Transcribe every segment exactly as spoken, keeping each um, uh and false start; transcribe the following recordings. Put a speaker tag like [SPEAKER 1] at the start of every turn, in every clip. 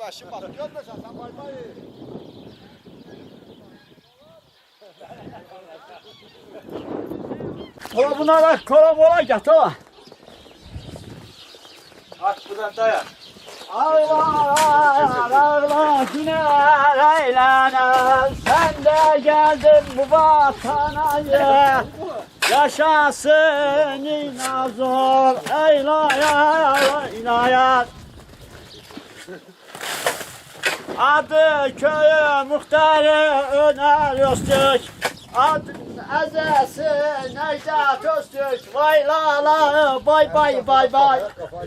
[SPEAKER 1] başım bak. Görmesen sen bay bay.
[SPEAKER 2] Kola buna bak, kola mola gel tamam.
[SPEAKER 1] Aç buradan dayan.
[SPEAKER 2] Ağlar ağlar günler eğlenir. Sen de geldin bu vatana ye. Yaşasın inazor eylaya inayat. Adı köyü muhtarı Öner Öztürk. Adı ezesi Necdet Öztürk. Vay la la bay bay bay bay.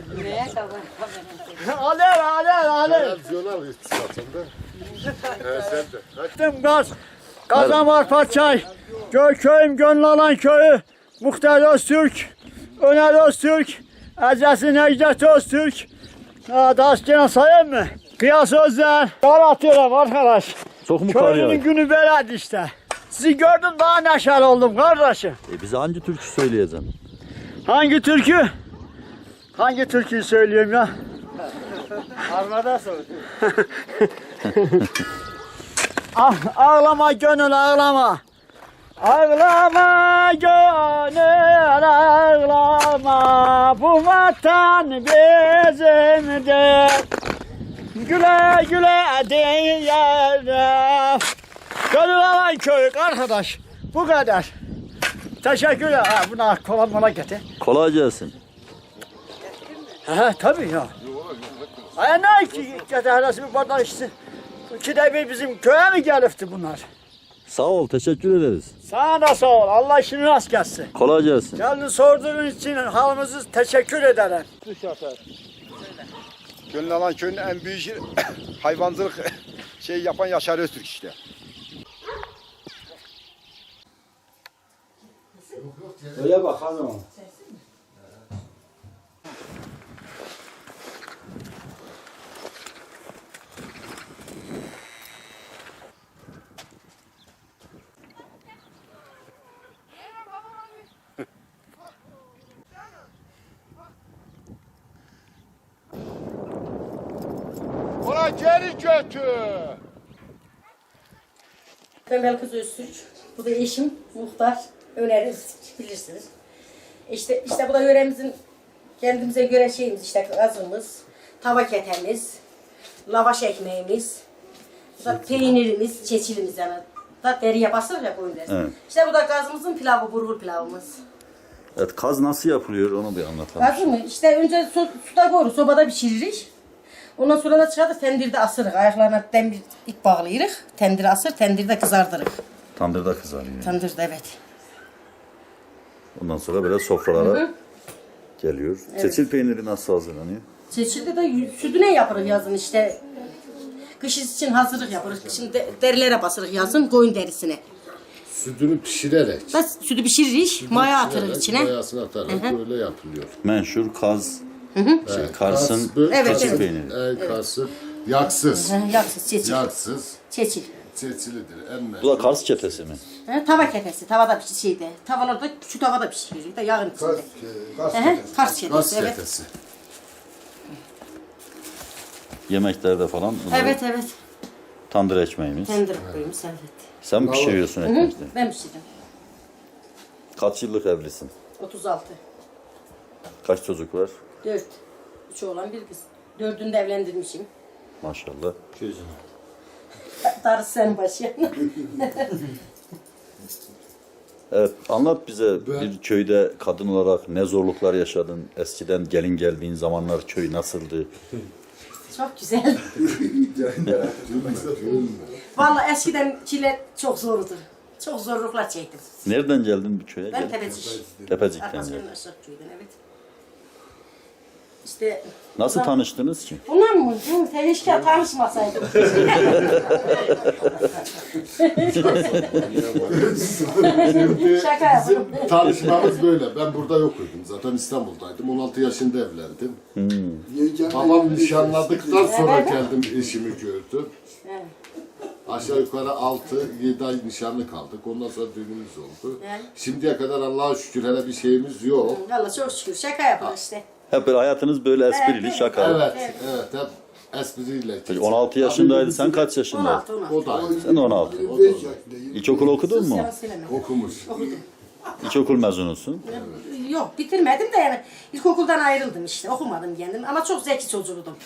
[SPEAKER 2] Alev alev alev.
[SPEAKER 1] Televizyonel iktisatında. He sen de. Hadi.
[SPEAKER 2] Gittim gaz. Kazanvar Paçay. Köy köyüm gönül alan köyü. Muhtar Öztürk. Öner Öztürk. Ezesi Necdet Öztürk. Daha gene sayayım mı? Kıyas Özler. Kar atıyorum arkadaş.
[SPEAKER 3] Çok mu kar
[SPEAKER 2] Köyümün
[SPEAKER 3] yağıyor?
[SPEAKER 2] günü beledi işte. Sizi gördüm daha neşeli oldum kardeşim.
[SPEAKER 3] E bize hangi türkü söyleyeceksin?
[SPEAKER 2] Hangi türkü? Hangi türküyü söyleyeyim ya?
[SPEAKER 1] Armada sor.
[SPEAKER 2] Ah, ağlama gönül ağlama. Ağlama gönül ağlama. Bu vatan bizimdir. Güle güle diyelim. Gönül alan köyü arkadaş. Bu kadar. Teşekkürler. Ha, buna kola mola getir.
[SPEAKER 3] Kolay gelsin.
[SPEAKER 2] Ha tabii ya. Ay ne ki getirmesi bir bardak içsin. İkide bir bizim köye mi gelifti bunlar?
[SPEAKER 3] Sağ ol, teşekkür ederiz.
[SPEAKER 2] Sana da sağ ol. Allah işini rast gelsin.
[SPEAKER 3] Kolay gelsin.
[SPEAKER 2] Geldin sorduğun için halımızı teşekkür ederim.
[SPEAKER 1] Gönül alan köyün en büyük hayvancılık şey yapan Yaşar Öztürk işte.
[SPEAKER 2] Öyle bak hanım.
[SPEAKER 1] Ona geri götür.
[SPEAKER 4] Ben Belkıs Öztürk. Bu da eşim Muhtar Öner Öztürk, bilirsiniz. İşte işte bu da yöremizin kendimize göre şeyimiz işte gazımız, tava ketemiz, lavaş ekmeğimiz, bu da peynirimiz, çeçilimiz yani. Da deriye basılır ya koyun derisi.
[SPEAKER 3] Evet.
[SPEAKER 4] İşte bu da gazımızın pilavı, burgul pilavımız.
[SPEAKER 3] Evet, kaz nasıl yapılıyor onu bir anlatalım.
[SPEAKER 4] Gazı mı? İşte önce su, suda koyuruz, sobada pişiririz. Ondan sonra da çıkartıp tendirde asırız. Ayaklarına demir ip bağlayırız. Tendire asır, tendirde kızardırız.
[SPEAKER 3] Tandırda kızarıyor.
[SPEAKER 4] Tandırda evet.
[SPEAKER 3] Ondan sonra böyle sofralara geliyor. Çeçil peyniri nasıl hazırlanıyor?
[SPEAKER 4] Çeşilde de sütüne yaparız yazın işte. Kış için hazırlık yaparız. Şimdi derilere basırız yazın koyun derisine.
[SPEAKER 5] Sütünü pişirerek.
[SPEAKER 4] Bas sütü pişiririz, maya atırız içine.
[SPEAKER 5] Mayasını atarak böyle yapılıyor.
[SPEAKER 3] Menşur kaz, şey, Kars'ın
[SPEAKER 5] Kas, böyle
[SPEAKER 4] Evet,
[SPEAKER 3] çeçil
[SPEAKER 4] evet.
[SPEAKER 3] peyniri.
[SPEAKER 5] E, Karsı yaksız.
[SPEAKER 4] Hı, Yaksız, çeçil.
[SPEAKER 5] Yaksız.
[SPEAKER 4] Çeçil.
[SPEAKER 5] Çeçilidir. En
[SPEAKER 3] Bu da Kars çetesi mi?
[SPEAKER 4] Hı, tava ketesi, tavada pişir şeyde. Tavalarda şu tavada pişirilir de yağın içinde. Hı hı, Kars çetesi,
[SPEAKER 5] Kars
[SPEAKER 4] evet.
[SPEAKER 5] çetesi.
[SPEAKER 3] Yemeklerde falan. bunlar
[SPEAKER 4] Evet, evet.
[SPEAKER 3] Tandır ekmeğimiz.
[SPEAKER 4] Tendir koymuş, evet.
[SPEAKER 3] Sen mi pişiriyorsun
[SPEAKER 4] Hı hı,
[SPEAKER 3] ekmekleri?
[SPEAKER 4] ben pişirdim.
[SPEAKER 3] Kaç yıllık evlisin?
[SPEAKER 4] otuz altı.
[SPEAKER 3] Kaç çocuk var?
[SPEAKER 4] dört. Üç oğlan bir kız. Dördünü de evlendirmişim.
[SPEAKER 3] Maşallah.
[SPEAKER 4] Darısı senin başına.
[SPEAKER 3] Evet, anlat bize bir köyde kadın olarak ne zorluklar yaşadın? Eskiden gelin geldiğin zamanlar köy nasıldı?
[SPEAKER 4] Çok güzel. Vallahi eskiden çile çok zordu. Çok zorluklar çektim.
[SPEAKER 3] Nereden geldin bu köye?
[SPEAKER 4] Ben
[SPEAKER 3] Gel-
[SPEAKER 4] Tepecik.
[SPEAKER 3] Tepecik'ten
[SPEAKER 4] Arkasının
[SPEAKER 3] geldin.
[SPEAKER 4] aşağı köyden, evet. İşte
[SPEAKER 3] Nasıl
[SPEAKER 4] bunlar-
[SPEAKER 3] tanıştınız ki?
[SPEAKER 4] Bunlar mı? Hı, Teşke tanışmasaydım. Şaka yapıyorum.
[SPEAKER 5] Bizim tanışmamız böyle. Ben burada yokuyordum. Zaten İstanbul'daydım. on altı yaşında evlendim. Babam nişanladıktan sonra geldim eşimi gördüm.
[SPEAKER 4] Evet.
[SPEAKER 5] Aşağı yukarı altı yedi ay nişanlı kaldık. Ondan sonra düğünümüz oldu.
[SPEAKER 4] Evet.
[SPEAKER 5] Şimdiye kadar Allah'a şükür hele bir şeyimiz yok.
[SPEAKER 4] Vallahi çok şükür şaka yapıyoruz işte.
[SPEAKER 3] Hep böyle hayatınız böyle esprili,
[SPEAKER 4] Evet,
[SPEAKER 3] şakalı.
[SPEAKER 5] Evet, evet. Hep espriyle.
[SPEAKER 3] Peki on altı yaşındaydı. Sen kaç
[SPEAKER 4] on
[SPEAKER 3] yaşındaydın?
[SPEAKER 4] altı on altı.
[SPEAKER 5] O da aynı.
[SPEAKER 3] Sen on altı. İlkokul okudun mu?
[SPEAKER 4] Yalan söyleme.
[SPEAKER 5] Okumuş.
[SPEAKER 4] Okudum.
[SPEAKER 3] İlkokul mezunusun.
[SPEAKER 4] Yok bitirmedim de yani ilkokuldan ayrıldım işte okumadım kendim ama çok zeki çocuğuydum.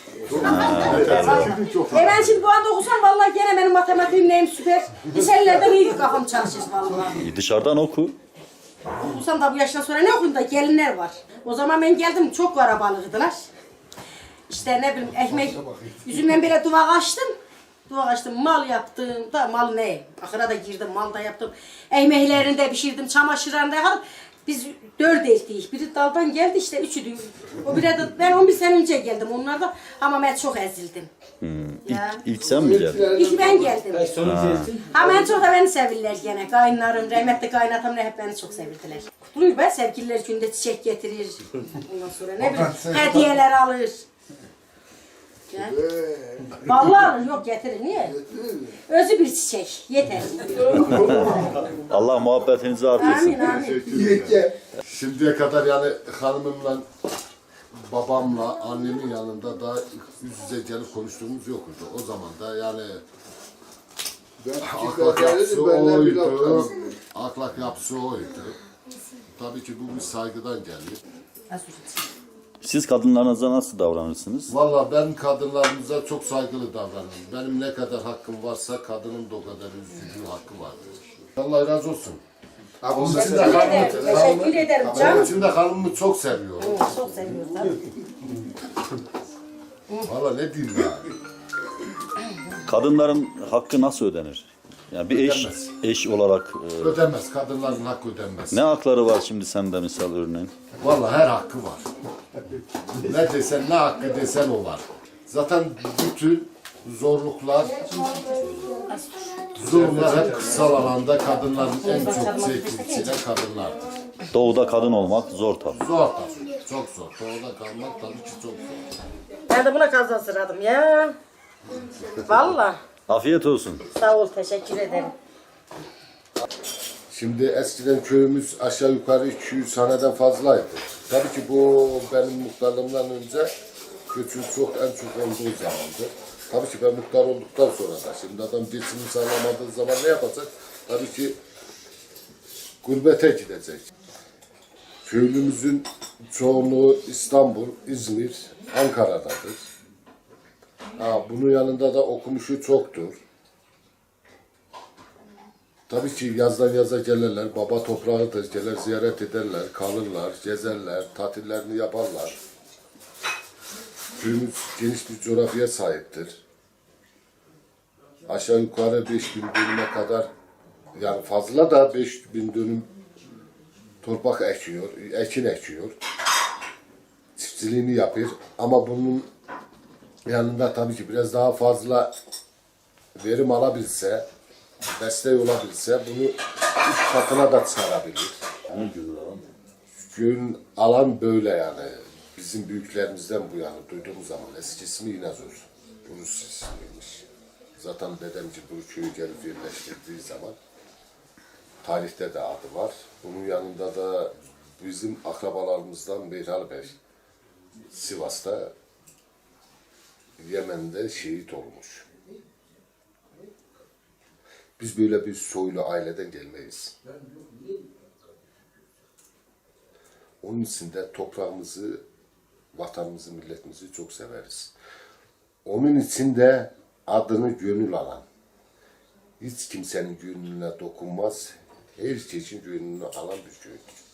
[SPEAKER 4] E ben şimdi bu anda okusam vallahi gene benim matematiğim neyim süper. Liselerden iyi kafam çalışır vallahi.
[SPEAKER 3] E, dışarıdan oku.
[SPEAKER 4] Okusam da bu yaştan sonra ne okuyayım da gelinler var. O zaman ben geldim çok karabalıktılar. İşte ne bileyim ekmek yüzümden bile duvar açtım. Duvar açtım mal yaptım da mal ne? Ahıra da girdim mal da yaptım. Ekmeklerini de pişirdim çamaşırlarını da yaptım. Biz dört erkeğiz. Biri daldan geldi işte üçü de. O bire de ben on bir sene önce geldim onlarda ama ben çok ezildim. Ya.
[SPEAKER 3] İlk sen mi geldin?
[SPEAKER 4] İlk ben geldim. Ha ben çok da beni sevirler gene. Kayınlarım, rahmetli kaynatam ne hep beni çok sevirdiler. Kutluyor be sevgililer günde çiçek getirir. Ondan sonra ne bileyim hediyeler alır. Ya. Vallahi alır yok getirir niye? Özü bir çiçek yeter.
[SPEAKER 3] Allah muhabbetinizi artırsın.
[SPEAKER 4] Amin amin.
[SPEAKER 5] Şimdiye kadar yani hanımımla, babamla, annemin yanında da yüz yüze gelip konuştuğumuz yoktu. O zaman da yani ahlak yapısı oydu. Ahlak yapısı oydu. Tabii ki bu bir saygıdan geliyor.
[SPEAKER 3] Siz kadınlarınıza nasıl davranırsınız?
[SPEAKER 5] Valla ben kadınlarımıza çok saygılı davranıyorum. Benim ne kadar hakkım varsa kadının da o kadar üzücü hakkı vardır. Allah razı olsun. Onun için de
[SPEAKER 4] Teşekkür
[SPEAKER 5] hanımı,
[SPEAKER 4] ederim. Teşekkür ederim
[SPEAKER 5] onun
[SPEAKER 4] canım.
[SPEAKER 5] için de hanımı çok seviyorum.
[SPEAKER 4] Çok seviyoruz tabii.
[SPEAKER 5] Valla ne diyeyim yani.
[SPEAKER 3] Kadınların hakkı nasıl ödenir? Yani bir eş
[SPEAKER 5] Ödenmez.
[SPEAKER 3] eş olarak e,
[SPEAKER 5] Ödenmez. Kadınların hakkı ödenmez.
[SPEAKER 3] ne hakları var şimdi sende misal örneğin?
[SPEAKER 5] Valla her hakkı var. Ne desen, ne hakkı desen o var. Zaten bütün zorluklar, zulümler hep kırsal alanda kadınların en çok çektiği kadınlardır.
[SPEAKER 3] Doğuda kadın olmak zor tabii.
[SPEAKER 5] Zor tabii. Çok zor. Doğuda kalmak tabii ki çok zor.
[SPEAKER 4] Ben de buna kazan sıradım ya. Vallahi.
[SPEAKER 3] Afiyet olsun.
[SPEAKER 4] Sağ ol teşekkür ederim.
[SPEAKER 5] Şimdi eskiden köyümüz aşağı yukarı iki yüz haneden fazlaydı. Tabii ki bu benim muhtarlığımdan önce göçün çok en çok olduğu zamandı. Tabii ki ben muhtar olduktan sonra da şimdi adam geçimini sağlamadığı zaman ne yapacak? Tabii ki gurbete gidecek. Köylümüzün çoğunluğu İstanbul, İzmir, Ankara'dadır. Ha, bunun yanında da okumuşu çoktur. Tabii ki yazdan yaza gelirler, baba toprağıdır, gelir ziyaret ederler, kalırlar, gezerler, tatillerini yaparlar. Köyümüz geniş bir coğrafyaya sahiptir. Aşağı yukarı beş bin dönüme kadar, yani fazla da beş bin dönüm torpak ekiyor, ekin ekiyor. Çiftçiliğini yapıyor ama bunun yanında tabii ki biraz daha fazla verim alabilse, desteği olabilse bunu üç katına da çıkarabilir. Köyün alan böyle yani. Bizim büyüklerimizden bu yani duyduğumuz zaman eski ismi İnazur. Rus ismiymiş. Zaten dedemci bu köyü gelip yerleştirdiği zaman tarihte de adı var. Bunun yanında da bizim akrabalarımızdan Meyral Bey Sivas'ta Yemen'de şehit olmuş. Biz böyle bir soylu aileden gelmeyiz. Onun için de toprağımızı, vatanımızı, milletimizi çok severiz. Onun için de adını gönül alan, hiç kimsenin gönlüne dokunmaz, herkesin gönlünü alan bir köydür.